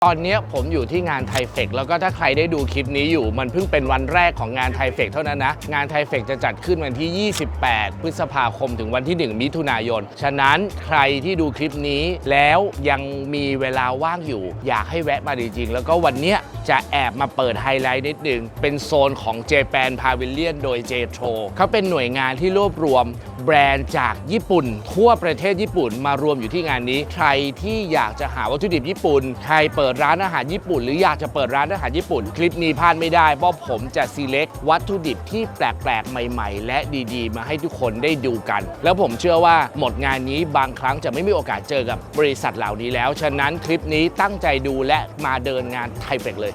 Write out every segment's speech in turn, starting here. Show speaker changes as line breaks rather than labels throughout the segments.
ตอนนี้ผมอยู่ที่งานไทเฟกแล้วก็ถ้าใครได้ดูคลิปนี้อยู่มันเพิ่งเป็นวันแรกของงานไทเฟกเท่านั้นนะงานไทเฟกจะจัดขึ้นวันที่ 28 พฤษภาคมถึงวันที่ 1 มิถุนายนฉะนั้นใครที่ดูคลิปนี้แล้วยังมีเวลาว่างอยู่อยากให้แวะมาจริงๆแล้วก็วันนี้จะแอบมาเปิดไฮไลท์นิดนึงเป็นโซนของ Japan Pavilion โดย JTRO เขาเป็นหน่วยงานที่รวบรวมแบรนด์จากญี่ปุ่นทั่วประเทศญี่ปุ่นมารวมอยู่ที่งานนี้ใครที่อยากจะหาวัตถุดิบญี่ปุ่นใครเปิดร้านอาหารญี่ปุ่นหรืออยากจะเปิดร้านอาหารญี่ปุ่นคลิปนี้พลาดไม่ได้เพราะผมจะ select วัตถุดิบที่แปลกๆใหม่ๆและดีๆมาให้ทุกคนได้ดูกันแล้วผมเชื่อว่าหมดงานนี้บางครั้งจะไม่มีโอกาสเจอกับบริษัทเหล่านี้แล้วฉะนั้นคลิปนี้ตั้งใจดูและมาเดินงานไทเฟกเลย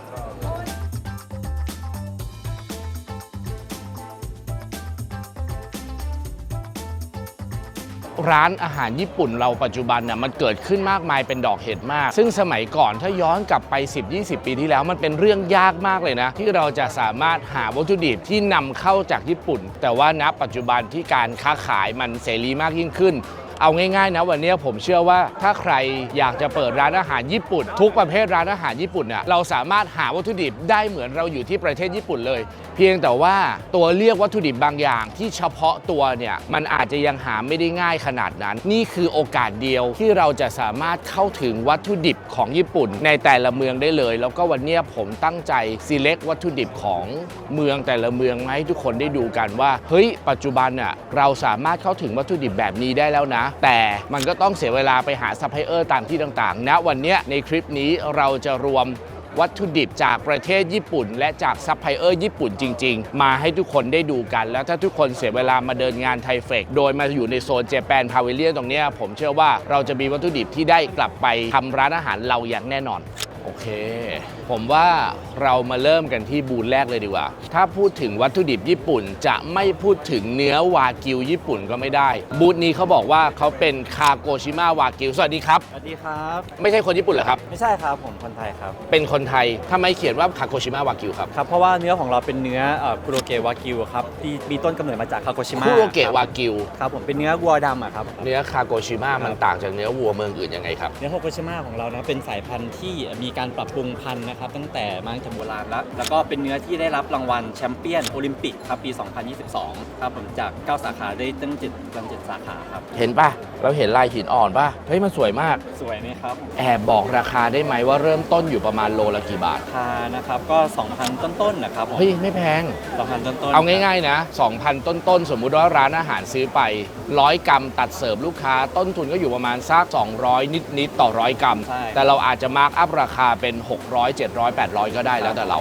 ร้านอาหารญี่ปุ่นเราปัจจุบันน่ะมันเกิดขึ้นมากมายเป็นดอกเห็ดมากซึ่งสมัยก่อนถ้าย้อนกลับไป 10-20 ปีที่แล้วมันเป็นเรื่องยากมากเลยนะที่เราจะสามารถหาวัตถุดิบที่นำเข้าจากญี่ปุ่นแต่ว่าณปัจจุบันที่การค้าขายมันเสรีมากยิ่งขึ้นเอาง่ายๆนะวันนี้ผมเชื่อว่าถ้าใครอยากจะเปิดร้านอาหารญี่ปุ่นทุกประเภทร้านอาหารญี่ปุ่นเนี่ยเราสามารถหาวัตถุดิบได้เหมือนเราอยู่ที่ประเทศญี่ปุ่นเลยเพียงแต่ว่าตัวเลือกวัตถุดิบบางอย่างที่เฉพาะตัวเนี่ยมันอาจจะยังหาไม่ได้ง่ายขนาดนั้นนี่คือโอกาสเดียวที่เราจะสามารถเข้าถึงวัตถุดิบของญี่ปุ่นในแต่ละเมืองได้เลยแล้วก็วันนี้ผมตั้งใจ select วัตถุดิบของเมืองแต่ละเมืองมาให้ทุกคนได้ดูกันว่าเฮ้ยปัจจุบันน่ะเราสามารถเข้าถึงวัตถุดิบแบบนี้ได้แล้วนะแต่มันก็ต้องเสียเวลาไปหาซัพพลายเออร์ตามที่ต่างๆณวันนี้ในคลิปนี้เราจะรวมวัตถุดิบจากประเทศญี่ปุ่นและจากซัพพลายเออร์ญี่ปุ่นจริงๆมาให้ทุกคนได้ดูกันแล้วถ้าทุกคนเสียเวลามาเดินงานไทเฟกโดยมาอยู่ในโซน Japan Pavilion ตรงนี้ผมเชื่อว่าเราจะมีวัตถุดิบที่ได้กลับไปทำร้านอาหารเราอย่างแน่นอนโอเคผมว่าเรามาเริ่มกันที่บูธแรกเลยดีกว่าถ้าพูดถึงวัตถุดิบญี่ปุ่นจะไม่พูดถึงเนื้อวากิวญี่ปุ่นก็ไม่ได้บูธนี้เขาบอกว่าเขาเป็นคาโกชิมะวากิวสวัสดีครับ
สวัสดีครับ
ไม่ใช่คนญี่ปุ่นเหรอครับ
ไม่ใช่ครับผมคนไทยครับ
เป็นคนไทยทำไมเขียนว่าคาโกชิมะวากิวครับ
ครับเพราะว่าเนื้อของเราเป็นเนื้อคุโรเกะวากิวครับที่มีต้นกำเนิดมาจากคาโกชิมะ
คุโรเกะวากิว
ครับผมเป็นเนื้อวัวดำครับ
เนื้อคาโกชิมะมันต่างจากเนื้อวัวเมืองอื่นยังไงครับ
เนื้อคาโกชิมะของเรานะเป็นสายพันธุ์ที่มีการปรับปรุงพันธุ์นะครับตั้งแต่มาตั้งแต่โบราณแล้วก็เป็นเนื้อที่ได้รับรางวัลแชมเปี้ยนโอลิมปิกครับปี 2022 ครับผมจาก 9 สาขาได้ตั้ง7 สาขาครับ
เห็นป่ะเราเห็นลายหินอ่อนป่ะเฮ้ยมันสวยมาก
สวยไหมครับ
แอบบอกราคาได้ไหมว่าเริ่มต้นอยู่ประมาณโลละกี่บาท
ราคานะครับก็ 2,000 ต้นๆนะครับ
เฮ้ยไม่แพง
2,000 ต้นๆ
เอาง่ายๆนะ 2,000 ต้นๆสมมุติว่าร้านอาหารซื้อไป100 กรัมตัดเสิร์ฟลูกค้าต้นทุนก็อยู่ประมาณสัก200นิดๆต่อ100 กรัมแต่เราอาจจะมาร์กอัพราคาเป็น600 700 800ก็ได้แล้วแต่เรา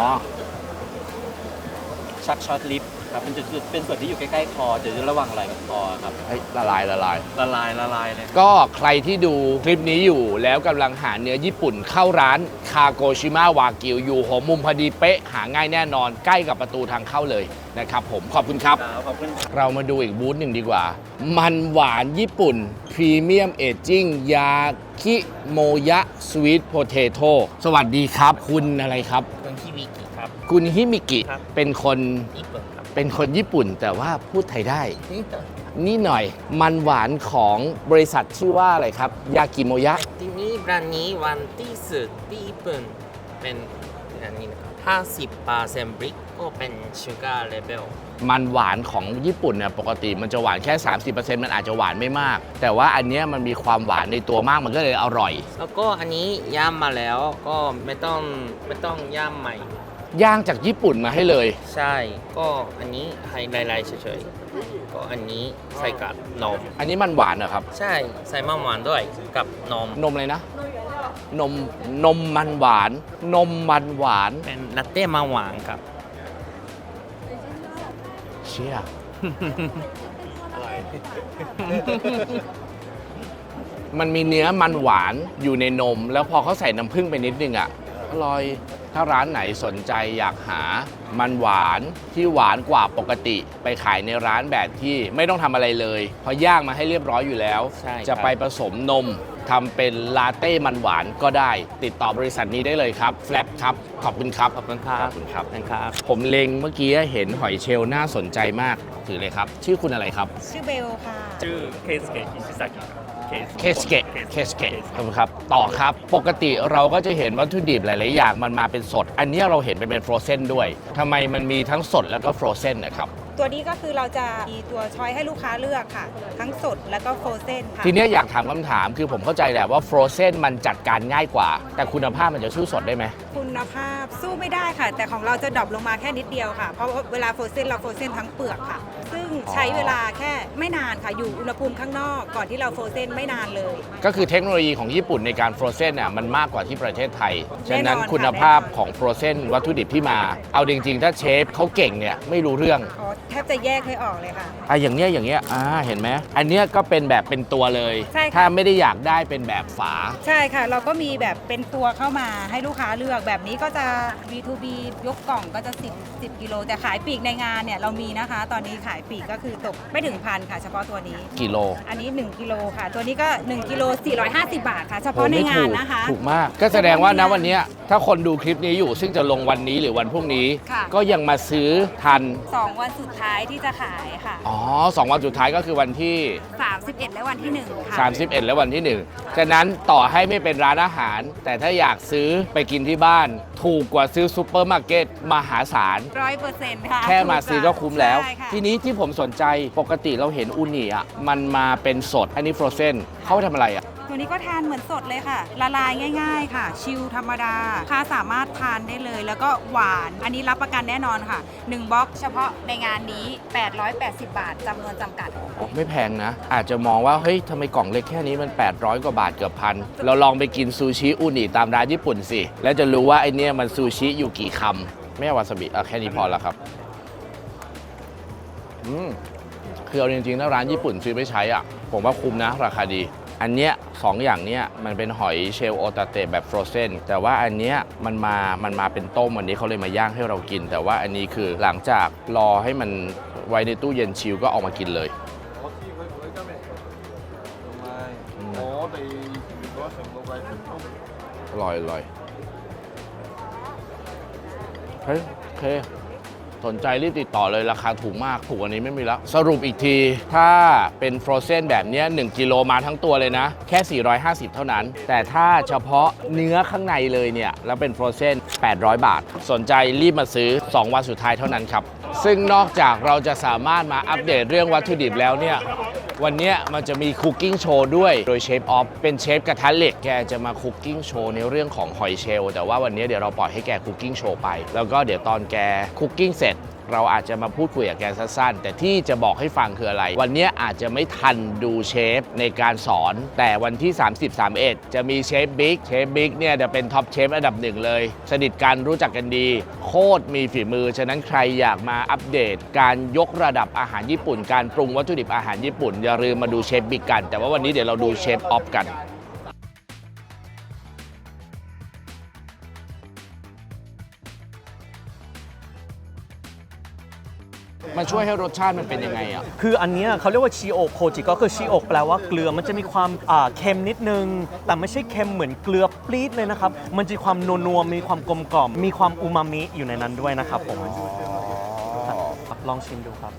ชักช็อตลิฟครับเป็นส่วนที่อยู่ใกล้ๆคอจะระวังไหล่กับคอครับ
ละลาย
เลย
ก็ใครที่ดูคลิปนี้อยู่แล้วกำลังหาเนื้อญี่ปุ่นเข้าร้านคาโกชิมะวากิวอยู่หัวมุมพอดีเป๊ะหาง่ายแน่นอนใกล้กับประตูทางเข้าเลยนะครับผมขอบคุณครับเรามาดูอีกบูธหนึ่งดีกว่ามันหวานญี่ปุ่นพรีเมียมเอจจิ้งยาคิโมยะสวีทโพเทโต้สวัสดีครับคุณอะไรครับคุณฮิมิกิเป็นคนญี่ปุ่นแต่ว่าพูดไทยได้นี่หน่อยมันหวานของบริษัทชื่อว่าอะไรครับยากิโมยะ
ที่นี่แบรนด์นี้วันที่สุดที่ญี่ปุ่นเป็นอันนี้นะครับ50%บริกก็เป็นชูการ์เลเวล
มันหวานของญี่ปุ่นเนี่ยปกติมันจะหวานแค่ 30% มันอาจจะหวานไม่มากแต่ว่าอันนี้มันมีความหวานในตัวมากมันก็เลยอร่อย
แล้วก็อันนี้ย่ำมาแล้วก็ไม่ต้องย่ำใหม่
ย่างจากญี่ปุ่นมาให้เลย
ใช่ก็อันนี้ไฮไลท์เฉยๆก็อันนี้ใส่กับนม
อันนี้มันหวานเหรอครับ
ใช่ใส่มันหวานด้วยกับนม
อะไรนะนมมันหวาน
เป็นลาเต้มันหวานครับ
เชี่ยอร่อยมันมีเนื้อมันหวานอยู่ในนมแล้วพอเขาใส่น้ำผึ้งไปนิดนึงอ่ะอร่อยถ้าร้านไหนสนใจอยากหามันหวานที่หวานกว่าปกติไปขายในร้านแบบที่ไม่ต้องทำอะไรเลยเพราะย่างมาให้เรียบร้อยอยู่แล้วจะไปผสมนมทำเป็นลาเต้มันหวานก็ได้ติดต่อบริษัทนี้ได้เลยครับแฟลปครับขอบคุณครับผมเล็งเมื่อกี้เห็นหอยเชลล์น่าสนใจมากถือเลยครับชื่อคุณอะไรครับ
ชื่อเบลค่ะ
ชื่อเคสเกะอิชิซากิ
เคสเกะครับต่อครับปกติเราก็จะเห็นวัตถุดิบหลายๆอย่างมันมาเป็นสด อันนี้เราเห็นเป็นฟรอเซนด้วยทำไมมันมีทั้งสดแล้วก็ฟรอเซนนะครับ
ตัวนี้ก็คือเราจะมีตัวช้อยให้ลูกค้าเลือกค่ะ ทั้งสดแล้วก็โฟรเซนค่ะ
ทีนี้อยากถามคำถามคือผมเข้าใจแหละว่าฟรอเซนมันจัดการง่ายกว่า แต่คุณภาพมันจะสู้สดได้ไหม
คุณภาพสู้ไม่ได้ค่ะ แต่ของเราจะดรอปลงมาแค่นิดเดียวค่ะ เพราะว่าเวลาโฟรเซนเราโฟรเซนทั้งเปลือกค่ะ ซึ่งใช้เวลาแค่ไม่นานค่ะ อยู่อุณหภูมิข้างนอกก่อนที่เราโฟรเซนไม่นานเลย
ก็คือเทคโนโลยีของญี่ปุ่นในการฟรอเซนน่ะมันมากกว่าที่ประเทศไทย
แน่นอน
ฉะนั้นคุณภาพของฟรอเซนวัตถุดิบที่มา เอาจริงๆ ถ้าเชฟเขาเก่งเนี่ยไม่รู้เรื่อง
อ๋อแทบจะแยกไม่ออกเลยค่ะ
อย่างเงี้ยเห็นไหมอันเนี้ยก็เป็นแบบเป็นตัวเลย
ใช่ค่ะ
ถ้าไม่ได้อยากได้เป็นแบบฝา
ใช่ค่ะ เราก็มีแบบเป็นตัวเข้ามาให้ลูกค้าเลือกแบบนี้ก็จะ B2B ยกกล่องก็จะ10กิโลแต่ขายปลีกในงานเนี่ยเรามีนะคะ ตอนนี้ขายปลีกก็คือตกไม่ถึงพันค่ะ เฉพาะตัวนี้
กิโล
อันนี้ 1 กิโลค่ะ ตัวนี้ก็ 1 กิโล 450 บาทค่ะ เฉพาะในงานนะคะ
ถูกมาก ก็แสดงว่านะวันเนี้ยถ้าคนดูคลิปนี้อยู่ซึ่งจะลงวันนี้หรือวันพรุ่งนี้
ค่ะ
ก็ยังมาซื้อทัน
2 วันสุดท้ายที่จะขายค่ะ
อ๋อ2 วันสุดท้ายก็คือวันที่
31 และวันที่ 1 ค่ะ
31 และวันที่ 1 ฉะนั้นต่อให้ไม่เป็นร้านอาหาร แต่ถ้าอยากซื้อไปกินที่บ้าน ถูกกว่าซื้อซูเปอร์มาร์เก็ตมหาศาล
100%ค่ะ
แค่มาซื้อก็คุ้มแล้ว
ใช่ค่ะ
ทีนี้ที่ผมสนใจปกติเราเห็นอูนิอ่ะมันมาเป็นสด อันนี้ฟรอเซนเขาไปทำอะไรอ่ะ
ตัวนี้ก็ทานเหมือนสดเลยค่ะ ละลายง่าย ๆ ค่ะ ชิลธรรมดาลูกค้าสามารถทานได้เลย แล้วก็หวาน อันนี้รับประกันแน่นอนค่ะ 1บล็อกเฉพาะในงานนี้ 880 บาทจำนวนจำกัด
ไม่แพงนะ อาจจะมองว่า เฮ้ยทำไมกล่องเล็กแค่นี้มัน 800 กว่าบาทเกือบพัน เราลองไปกินซูชิอูนิตามร้านญี่ปุ่นสิ แล้วจะรู้ว่าไอเนี้ยมันซูชิอยู่กี่คำไม่เอาวาซาบิแค่นี้พอแล้วครับคือเอาจริงๆถ้าร้านญี่ปุ่นซื้อไปใช้อ่ะ ผมว่าคุ้มนะ ราคาดี อันเนี้ยสองอย่างเนี้ยมันเป็นหอยเชลล์โอตาเตะแบบฟรอเซนแต่ว่าอันเนี้ยมันมาเป็นต้มวันนี้เขาเลยมาย่างให้เรากิน แต่ว่าอันนี้คือหลังจากรอให้มันไว้ในตู้เย็นชิลก็ออกมากินเลย อร่อยเฮ้ยโอเคสนใจรีบติดต่อเลยราคาถูกมากถูกกว่านี้ไม่มีแล้ว สรุปอีกที ถ้าเป็นฟรอเซนแบบเนี้ย1 กิโลมาทั้งตัวเลยนะ แค่ 450 เท่านั้น แต่ถ้าเฉพาะเนื้อข้างในเลยเนี่ย แล้วเป็นฟรอเซน800 บาท สนใจรีบมาซื้อ 2 วันสุดท้ายเท่านั้นครับ ซึ่งนอกจากเราจะสามารถมาอัปเดตเรื่องวัตถุดิบแล้วเนี่ยวันนี้มันจะมีคุกกิ้งโชว์ด้วยโดยเชฟออฟเป็นเชฟกระทะเหล็กแกจะมาคุกกิ้งโชว์ในเรื่องของหอยเชลล์แต่ว่าวันนี้เดี๋ยวเราปล่อยให้แกคุกกิ้งโชว์ไปแล้วก็เดี๋ยวตอนแกคุกกิ้งเสร็จเราอาจจะมาพูดคุยกับแกสั้นๆแต่ที่จะบอกให้ฟังคืออะไรวันนี้อาจจะไม่ทันดูเชฟในการสอนแต่วันที่ 30-31 จะมีเชฟบิ๊กเนี่ยจะเป็นท็อปเชฟอันดับหนึ่งเลยสนิทกันรู้จักกันดีโคตรมีฝีมือฉะนั้นใครอยากมาอัปเดตการยกระดับอาหารญี่ปุ่นการปรุงวัตถุดิบอาหารญี่ปุ่นอย่าลืมมาดูเชฟบิ๊กกันแต่ว่าวันนี้เดี๋ยวเราดูเชฟออฟกันมันช่วยให้รสชาติมันเป็นยังไงอ่ะ
คืออันเนี้ยเขาเรียกว่าชิโอะโคจิก็คือชิโอะแปลว่าเกลือมันจะมีความเค็มนิดนึง แต่ไม่ใช่เค็มเหมือนเกลือปรี๊ดเลยนะครับ มันจะมีความนัวๆมีความกลมกล่อมมีความอูมามิอยู่ในนั้นด้วยนะครับผมครับลองชิมดูครับ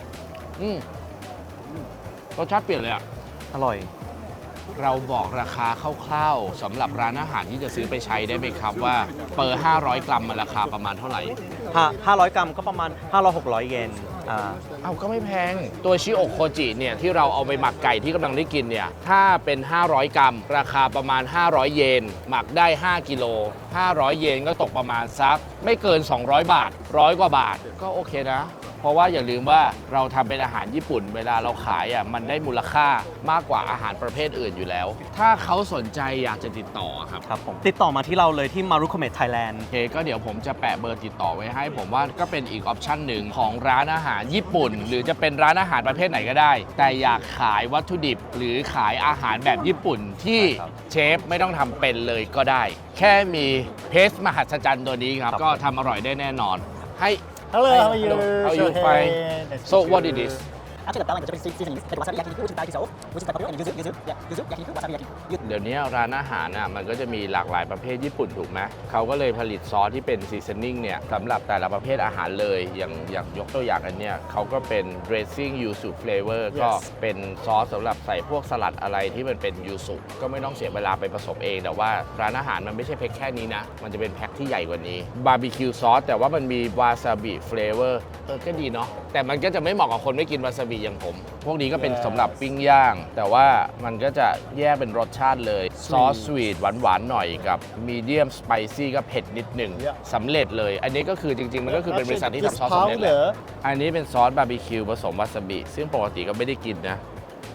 รสชาติเปลี่ยนเลยอ่ะ
อร่อย
เราบอกราคาคร่าวๆสำหรับร้านอาหารที่จะซื้อไปใช้ได้ไหมครับว่าเปอร์500 กรัมมันราคาประมาณเท่าไหร่
500 กรัมก็ประมาณ 500-600 เยน
เอาก็ไม่แพง ตัวชิโอะโคจิเนี่ยที่เราเอาไปหมักไก่ที่กำลังได้กินเนี่ยถ้าเป็น 500 กรัม ราคาประมาณ 500 เยน หมักได้ 5 กิโล 500 เยนก็ตกประมาณสักไม่เกิน 200 บาท 100 กว่าบาทก็โอเคนะ เพราะว่าอย่าลืมว่าเราทำเป็นอาหารญี่ปุ่นเวลาเราขายอ่ะมันได้มูลค่ามากกว่าอาหารประเภทอื่นอยู่แล้ว ถ้าเขาสนใจอยากจะติดต่อครับ
ครับผมติดต่อมาที่เราเลยที่มารุโคเมะไทยแลนด์
โอเคก็เดี๋ยวผมจะแปะเบอร์ติดต่อไว้ให้ ผมว่าก็เป็นอีกออปชั่นหนึ่งของร้านอาหารญี่ปุ่น หรือจะเป็นร้านอาหารประเภทไหนก็ได้ แต่อยากขายวัตถุดิบ หรือขายอาหารแบบญี่ปุ่นที่เชฟไม่ต้องทำเป็นเลยก็ได้ แค่มีเพสมหัศจรรย์ตัวนี้ครับก็ทำอร่อยได้แน่นอนให้
Hello, how are you?
How are you? Fine. So what it is?
Actually, the balance is seasonings, but wasabi yakiniku, which is Thai dissolve, which is pepperoni and yuzu yakiniku, wasabi yakiniku.
เดี๋ยวนี้ร้านอาหารน่ะมันก็จะมีหลากหลายประเภทญี่ปุ่นถูกไหมเขาก็เลยผลิตซอสที่เป็นซีซันนิ่งเนี่ยสำหรับแต่ละประเภทอาหารเลยอย่างยกตัวอย่างอันเนี้ยเขาก็เป็น dressing ยูสุ flavor ก็เป็นซอสสำหรับใส่พวกสลัดอะไรที่มันเป็นยูสุก็ไม่ต้องเสียเวลาไปผสมเองแต่ว่าร้านอาหารมันไม่ใช่แพ็คแค่นี้นะมันจะเป็นแพ็คที่ใหญ่กว่านี้บาร์บีคิวซอสแต่ว่ามันมีวาซาบิ flavor ก็ดีเนาะแต่มันก็จะไม่เหมาะกับคนไม่กินวาซาบิอย่างผมพวกนี้ก็เป็นสำหรับปิ้งย่างแต่ว่ามันก็จะแยกเป็นรสชาติเลยซอสสวีทหวานๆหน่อยกับมีเดียมสไปซี่ก็เผ็ดนิดหนึ่งสำเร็จเลยอันนี้ก็คือจริงๆมันก็คือเป็นบริษัทที่ทำซอสสำเร็จแหละอันนี้เป็นซอสบาร์บีคิวผสมวาซาบิซึ่งปกติก็ไม่ได้กินนะ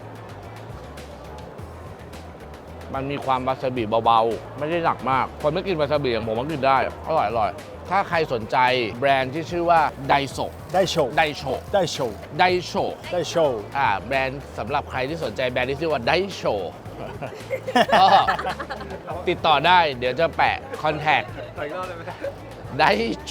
มันมีความวาซาบิเบาๆไม่ได้หนักมากคนไม่กินวาซาบิอย่างผมก็กินได้อร่อยถ้าใครสนใจแบรนด์ที่ชื่อว่าไดโซ
ได้โชว์
ไดโช
ได้โชว์
ไดโช
ได้โชว์
แบรนด์สำหรับใครที่สนใจแบรนด์ที่ชื่อว่าไดโช ก็ติดต่อได้เดี๋ยวจะแปะคอนแทคไดโช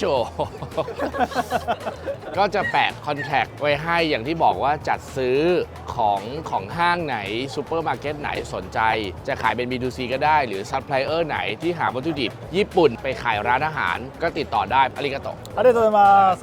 ก็จะแปะคอนแทคไว้ให้อย่างที่บอกว่าจัดซื้อของห้างไหนซูเปอร์มาร์เก็ตไหนสนใจ จะขายเป็น B2C ก็ได้หรือซัพพลายเออร์ไหนที่หาวัตถุดิบญี่ปุ่นไปขายร้านอาหารก็ติดต่อได้อาริกาโต
ありがとうございます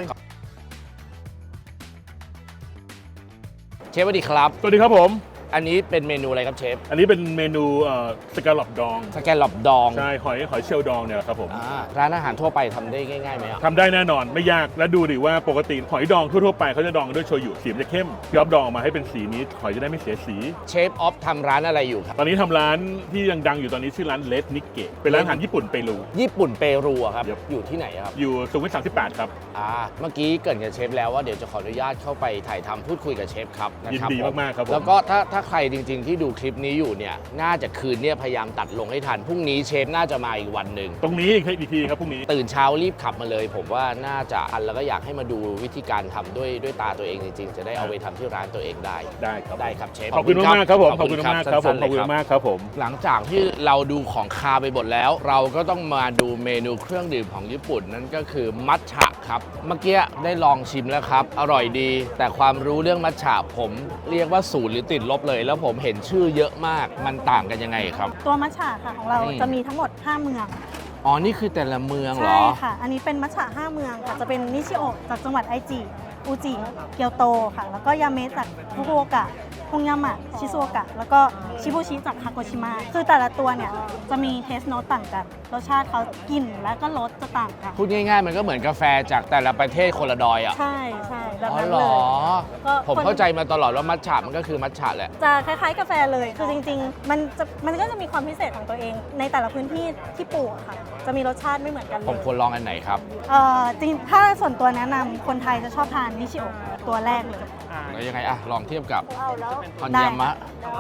เชฟสวัสดีครับ
สวัสดีครับผม
อันนี้เป็นเมนูอะไรครับเชฟ
อันนี้เป็นเมนูสแกลลอปดอง
สแกนหลอบดอง
ใช่หอยเชลล์ดองเนี่ยครับผม
ร้านอาหารทั่วไปทำได้ง่ายๆไหมอ่ะ
ทำได้แน่นอนไม่ยากและดูดิว่าปกติหอยดองทั่วๆไปเขาจะดองด้วยโชยุสีมันจะเข้มพี่อ๊อฟดองออกมาให้เป็นสีนี้หอยจะได้ไม่เสียสี
เชฟออฟทำร้านอะไรอยู่ครับ
ตอนนี้ทำร้านที่ยังดังอยู่ตอนนี้ชื่อร้านเลดนิกเกะเป็นร้านอาหารญี่ปุ่นเปรู
ญี่ปุ่นเปรูอะครับ
ครับ
อยู่ที่ไหนอะครับ
อยู่สุขุมวิท38 ครับ
เมื่อกี้เกรินกับเชฟแล้วว่าเดี๋ยวจะขออนุญาตเข้าไปถ่ายทำพูดคุยกับเชฟครับนะ
ยิน
ครับ
ดีมากๆครับผม
แล้วก็ถ้าใครจริงๆที่ดูคลิปนี้อยู่เนี่ยน่าจะคืนเนี่ยพยายามตัดลงให้ทันพรุ่งนี้เชฟน่าจะมาอีกวันหนึ่ง
ตรงนี้อีกทีครับพรุ่งนี้
ตื่นเช้ารีบขับมาเลย ผมว่าน่าจะทันแล้วก็อยากให้มาดูวิธีการทำด้วยตาตัวเองจริงๆ จะได้เอาไปทำที่ร้านตัวเองได้
ได้ครับ
ได้ครับเชฟ
ขอบคุณมากๆครับผมขอบคุณมากๆครับผม
สั้นๆ
ขอบคุณ
เลย
มากครับผม
หลังจากที่เราดูของคาวไปหมดแล้ว เราก็ต้องมาดูเมนูเครื่องดื่มของญี่ปุ่นนั่นก็คือมัทฉะครับเมื่อกี้ได้ลองชิมแล้วครับอร่อยดี แต่ความรู้เรื่องมัทฉะผมเรียกว่าศูนย์หรือติดลบเลย แล้วผมเห็นชื่อเยอะมากมันต่างกันยังไงครับ
ตัวมัทฉะค่ะของเรา
อืม
จะมีทั้งหมด 5 เมือง
อ๋อนี่คือแต่ละเมืองเหร
ใช่
อ
ค่ะ อันนี้เป็นมัทฉะ5 เมืองค่ะ จะเป็นนิชิโอะจากจังหวัดไอจิอุจิเกียวโตค่ะ แล้วก็ยาเมะจากฟุกุโอกะฮงยามะชิซุโอกะแล้วก็ชิบุชิจากฮาโกชิมะคือแต่ละตัวเนี่ยจะมีเทสโนตต่างกันรสชาติเขากลิ่นและก็รสจะต่างกัน
พูดง่ายๆ มันก็เหมือนกาแฟจากแต่ละประเทศคนละดอยอ่ะ
ใช่ใช่แบบ
อ๋อ
นั้น
เหร
เล
อ
ยก็
ผมเข้าใจมาตลอดว่ามัทฉะมันก็คือมัทฉะแหละ
จะคล้ายๆกาแฟเลย คือจริงๆ มันก็จะมีความพิเศษของตัวเอง ในแต่ละพื้นที่ที่ปลูกอะค่ะ จะมีรสชาติไม่เหมือนกันเล
ผม
ย
ควรลองอันไหนครับ
จริงถ้าส่วนตัวแนะนำคนไทยจะชอบทานนิชิโอะตัวแรกเลย
แล้วยังไงอะลองเทียบกับ
แล้ว
ฮอนยามะ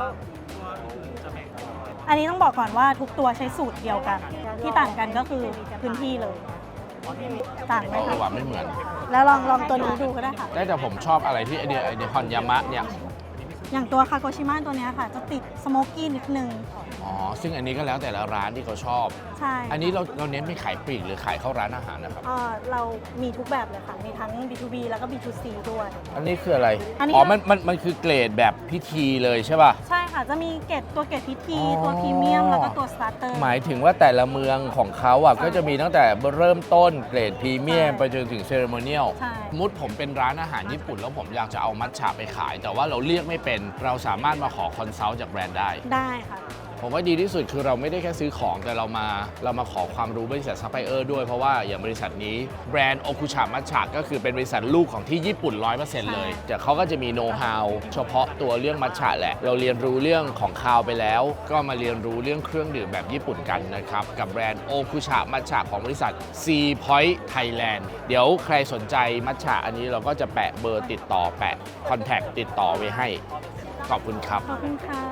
อันนี้ต้องบอกก่อนว่าทุกตัวใช้สูตรเดียวกัน ที่ต่างกันก็คือพื้นที่เลย ต่างไหม
ระห
คะ
ว่างไม่เหมือน
แล้วลองตัวนี้ดูก็ได้ค่ะ
ได้แต่ผมชอบอะไรที่ไอเดียฮอนยามะเนี่ย
อย่างตัวคาโกชิมะตัวเนี้ยค่ะ จะติดสโมกกี้นิดนึง
อ๋อ ซึ่งอันนี้ก็แล้วแต่ละร้านที่เขาชอบ
ใช่
อันนี้เราเน้นไม่ขายปลีกหรือขายเข้าร้านอาหารนะครับ
เรามีทุกแบบเลยค่ะ มีทั้ง B2B แล้วก็ B2C ด้วย
อันนี้คืออะไร
อันนี้
อ๋อ มันคือเกรดแบบพิธีเลยใช่ป่ะ
ใช่ค่ะ จะมีเกรดพิธี
อ๋อ
ตัวพรีเมียม แล้วก็ตัวสตาร์เตอร์
หมายถึงว่าแต่ละเมืองของเขาอ่ะก็จะมีตั้งแต่เริ่มต้นเกรดพรีเมียม
ใช่
ไปจนถึงเซเรโมเนียล
ใช่
มุดผมเป็นร้านอาหารญี่ปุ่นแล้วผมอยากจะเอามัทฉะไปขาย แต่ว่าเราเรียกไม่เป็นเราสามารถมาขอคอนซัลท์จากแบรนด์ได้
ได้ค่ะ
ผมว่าดีที่สุดคือเราไม่ได้แค่ซื้อของแต่เรามาขอความรู้บริษัทซัพพลายเออร์ด้วยเพราะว่าอย่างบริษัทนี้แบรนด์โอคุชะมัทฉะก็คือเป็นบริษัทลูกของที่ญี่ปุ่น 100% เลยแต่เขาก็จะมีโน้ตฮาวเฉพาะตัวเรื่องมัทฉะแหละ เราเรียนรู้เรื่องของคาวไปแล้ว ก็มาเรียนรู้เรื่องเครื่องดื่มแบบญี่ปุ่นกันนะครับกับแบรนด์โอคุชะมัทฉะของบริษัท C Point Thailand เดี๋ยวใครสนใจมัทฉะอันนี้เราก็จะแปะเบอร์ติดต่อแปะคอนแทคติดต่อไว้ให้ขอบคุณครับ
ขอบคุณค่ะ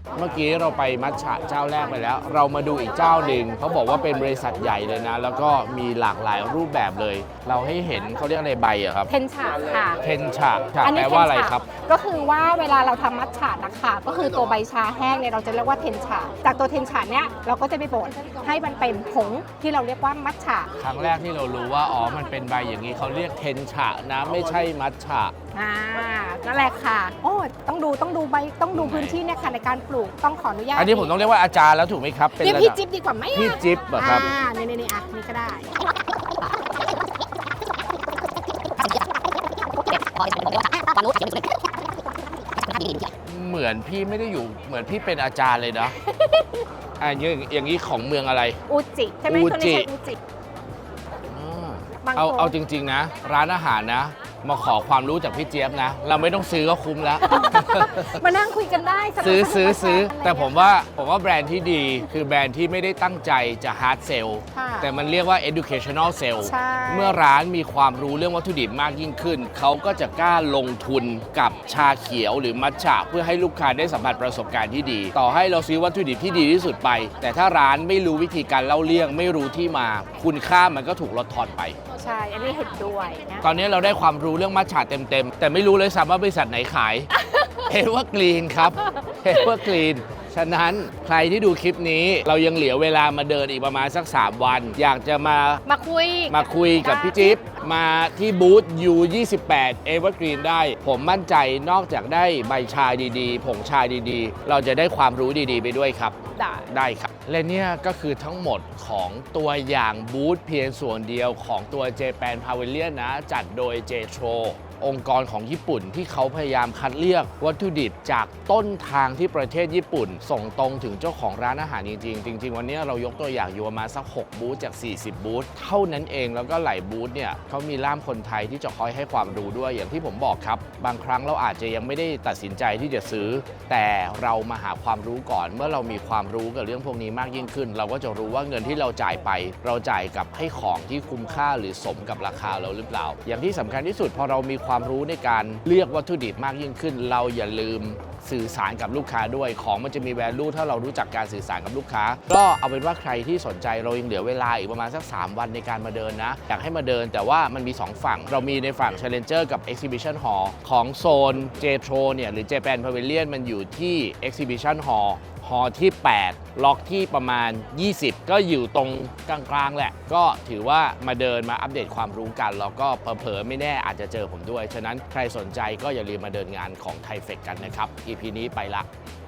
เมื่อกี้เราไปมัทฉะเจ้าแรกไปแล้ว เรามาดูอีกเจ้าหนึ่งเขาบอกว่าเป็นบริษัทใหญ่เลยนะ แล้วก็มีหลากหลายรูปแบบเลย เราให้เห็นเขาเรียกอะไรใบอะครับ
เทนฉะค่ะ
เทนฉะแปลว่าอะไรครับ
ก็คือว่าเวลาเราทำมัทฉะนะคะก็คือตัวใบชาแห้งเนี่ยเราจะเรียกว่าเทนฉะจากตัวเทนฉะเนี่ยเราก็จะไปบดให้มันเป็นผงที่เราเรียกว่ามัทฉะ
ครั้งแรกที่เรารู้ว่าอ๋อมันเป็นใบอย่างนี้เขาเรียกเทนฉะนะไม่ใช่มัทฉะ
นั่นแหละค่ะโอ้ต้องดูใบต้องดูพื้นที่เนี่ยค่ะในการปลูกต้องขออนุญาต
อันนี้ผมต้องเรียกว่าอาจารย์แล้วถูกไหมครับ
เรียก
ระ
พี่
ดับ
จิ๊บดีกว่าไหม
พี่จิ๊บเหรอครับ
นี่อ่ะนี่ก็ได้
เหมือนพี่ไม่ได้อยู่เหมือนพี่เป็นอาจารย์เลยนะอย่างนี้ของเมืองอะไร
อูจิใช่ไหม
อู
ตัว
จิ
นี้ใช่อูจิ บางคน
เอาจริง ๆ นะ ร้านอาหารนะ มาขอความรู้จากพี่เจี๊ยบนะ เราไม่ต้องซื้อก็คุ้มแล้ว
มานั่งคุยกันได้สบายๆ
ซื้อ
อะไร
แต่ผมว่าแบรนด์ที่ดีคือแบรนด์ที่ไม่ได้ตั้งใจจะ hard sell
ค่ะ
แต่มันเรียกว่า educational sell
ใช่
เมื่อร้านมีความรู้เรื่องวัตถุดิบมากยิ่งขึ้น เขาก็จะกล้าลงทุนกับชาเขียวหรือมัทฉะเพื่อให้ลูกค้าได้สัมผัสประสบการณ์ที่ดี ต่อให้เราซื้อวัตถุดิบที่ดีที่สุดไป แต่ถ้าร้านไม่รู้วิธีการเล่าเรื่องไม่รู้ที่มา คุณค่ามันก็ถูกลดทอนไป
ใช่อันนี้เห็นด้วยนะ
ตอนนี้เราได้ความรู้เรื่องมัทฉะเต็มๆ แต่ไม่รู้เลยซ้ำว่าบริษัทไหนขาย เห็นว่ากรีนครับ เห็นว่ากรีน ฉะนั้นใครที่ดูคลิปนี้เรายังเหลือเวลามาเดินอีกประมาณสัก 3 วัน อยากจะมาคุยกับพี่จิ๊บมาที่บูธ U28 Evergreen ได้ ผมมั่นใจนอกจากได้ใบชาดีๆ ผงชาดีๆ เราจะได้ความรู้ดีๆ ไปด้วยครับ ได้ครับ และเนี่ยก็คือทั้งหมดของตัวอย่างบูธเพียงส่วนเดียวของตัว Japan Pavilion นะ จัดโดย JTRO องค์กรของญี่ปุ่นที่เขาพยายามคัดเลือกวัตถุดิบจากต้นทางที่ประเทศญี่ปุ่น ส่งตรงถึงเจ้าของร้านอาหารจริงๆ จริง ๆ วันนี้เรายกตัวอย่างอยู่ประมาณสัก 6 บูธจาก 40 บูธเท่านั้นเองแล้วก็หลายบูธเนี่ยเขามีล่ามคนไทยที่จะคอยให้ความรู้ด้วยอย่างที่ผมบอกครับ บางครั้งเราอาจจะยังไม่ได้ตัดสินใจที่จะซื้อ แต่เรามาหาความรู้ก่อนเมื่อเรามีความรู้กับเรื่องพวกนี้มากยิ่งขึ้น เราก็จะรู้ว่าเงินที่เราจ่ายไป เราจ่ายกับให้ของที่คุ้มค่าหรือสมกับราคาเราหรือเปล่า อย่างที่สำคัญที่สุดพอเรามีความรู้ในการเลือกวัตถุดิบมากยิ่งขึ้น เราอย่าลืมสื่อสารกับลูกค้าด้วยของมันจะมี value ถ้าเรารู้จักการสื่อสารกับลูกค้าก็เอาเป็นว่าใครที่สนใจเรายังเหลือเวลาอีกประมาณสัก 3 วันในการมาเดินนะอยากให้มาเดินแต่ว่ามันมี 2 ฝั่งเรามีในฝั่ง Challenger กับ Exhibition Hall ของโซน JTRO เนี่ยหรือ Japan Pavilion มันอยู่ที่ Exhibition Hall ฮอที่ 8 ล็อกที่ประมาณ 20 ก็อยู่ตรงกลางๆแหละ ก็ถือว่ามาเดินมาอัปเดตความรู้กัน แล้วก็เผลอๆไม่แน่อาจจะเจอผมด้วย ฉะนั้นใครสนใจก็อย่าลืมมาเดินงานของไทเฟคกันนะครับ EP นี้ไปละ